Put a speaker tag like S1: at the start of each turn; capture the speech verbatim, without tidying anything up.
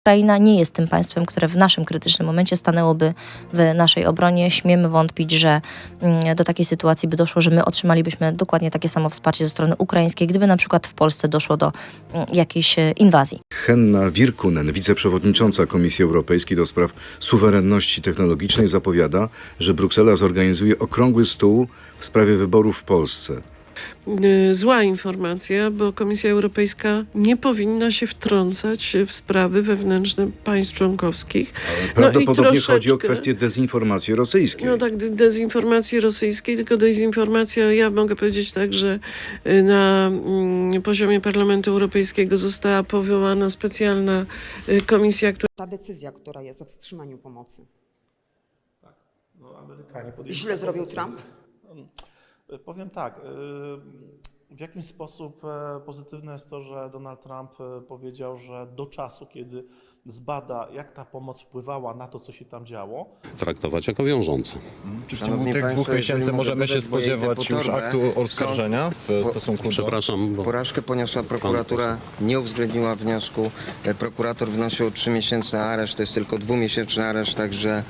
S1: Ukraina nie jest tym państwem, które w naszym krytycznym momencie stanęłoby w naszej obronie. Śmiemy wątpić, że do takiej sytuacji by doszło, że my otrzymalibyśmy dokładnie takie samo wsparcie ze strony ukraińskiej, gdyby na przykład w Polsce doszło do jakiejś inwazji.
S2: Henna Virkkunen, wiceprzewodnicząca Komisji Europejskiej do spraw suwerenności technologicznej, zapowiada, że Bruksela zorganizuje okrągły stół w sprawie wyborów w Polsce.
S3: Zła informacja, bo Komisja Europejska nie powinna się wtrącać w sprawy wewnętrzne państw członkowskich.
S2: Ale prawdopodobnie
S3: no i troszeczkę,
S2: chodzi o kwestię dezinformacji rosyjskiej.
S3: No tak, dezinformacji rosyjskiej, tylko dezinformacja, ja mogę powiedzieć tak, że na mm, poziomie Parlamentu Europejskiego została powołana specjalna komisja, która...
S4: Ta decyzja, która jest o wstrzymaniu pomocy.
S5: Tak. No, Amerykanie podjęli
S4: Źle
S5: taką
S4: zrobił
S5: decyzję.
S4: Trump?
S5: Powiem tak, w jakim sposób pozytywne jest to, że Donald Trump powiedział, że do czasu, kiedy zbada, jak ta pomoc wpływała na to, co się tam działo,
S6: traktować jako wiążące.
S7: Czy w ciągu tych dwóch miesięcy możemy się spodziewać już aktu oskarżenia w stosunku do...
S6: Przepraszam, bo...
S8: Porażkę poniosła prokuratura, nie uwzględniła wniosku. Prokurator wnosił trzy miesięczny areszt, to jest tylko dwumiesięczny areszt, także